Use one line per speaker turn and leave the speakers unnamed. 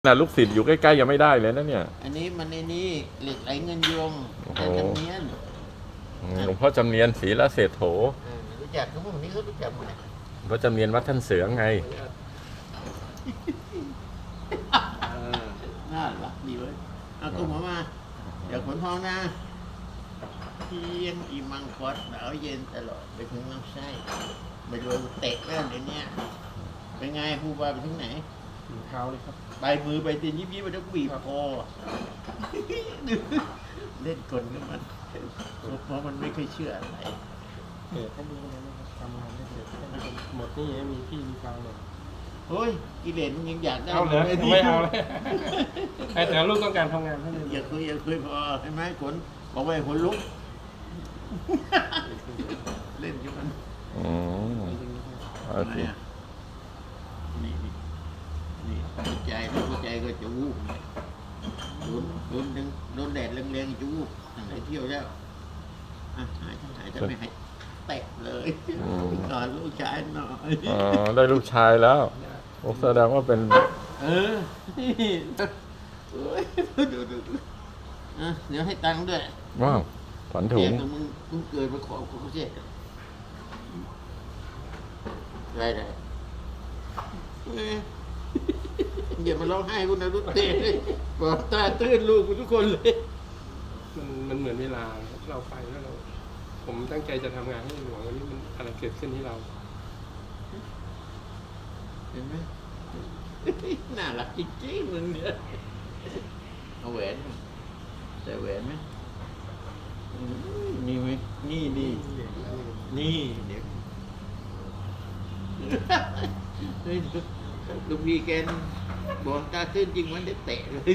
น่ะลูกศิษย์อยู่ใกล้ๆยังไม่ได้เลยนะเนี่ย
อันนี้มันในนี้เหล็กไหลเงินยวง
โอ้โห
แต่จำเนียน
หลวงพ่อจำเนียนศรีละเศรษโถ
รู้จักทุกพวกนี้เขารู้จักหมด
หลวงพ่อจำเนียนวัดท่านเสือไง
น่ารักดีเว้ยเอากุ้งหัวมาเดี๋ยวขนทองนะเที่ยงอีมังคดหนาวเย็นตลอดไปถึงลำไส้ไปดูเตะแล้วเดี๋ยวนี้เป็นไงครูบาไปถึงไหน
ถึงเท้าเลยครับ
ใบมือใบตีนยิบไปต้องบีบคอเล่นกลกับมันเพราะมันไม่เคยเชื่ออะไร
เกิดให้ดูเลยนะครับทำงานได้เสร็จหมดนี่มีพี่มีฟังเลย
เฮ้ยกิเลสมันยังอยากได้
เอาเลยไม่เอาเลยแต่ลูกต้องการทำงานให้เลย
อย่าคุยพอใช่ไหมขนบอกว่าขนลุกเล่นกับมัน
อืมโอ
ทำไม
เค
อ่ะนี่หัวใจแล้วหัวใจก็จะวูบโดนแดดแรงๆจะวูบตั้งแต่เที่ยวแล้วหายจะไม่หายแตะเลยนอนลูกชายหน่อย
อ๋อได้ลูกชายแล้วโอ้แสดงว่าเป็น
เออดูเดี๋ยวให้ตังค์ด้วย
ว้าวขวัญถุ
เด็
ง
กมึงเกิดมาขอกูเจ็ดได้อย่ามาร้องไห้กูนะลูกเตะบอกตาตื้นลูกกูทุกคนเลย
มันเหมือนเวลาเราไปแล้วเราผมตั้งใจจะทำงานให้หลวงวันนี้มันอะไรเกิดขึ้นที่เรา
เห็นไหมน่ารักจริงๆมึงเนี่ยเอาแหวนใส่แหวนไหมนี่ไหมนี่เดี๋ยวลูกพี่แกบอกตาตื้นจริงมันได้เตะเลย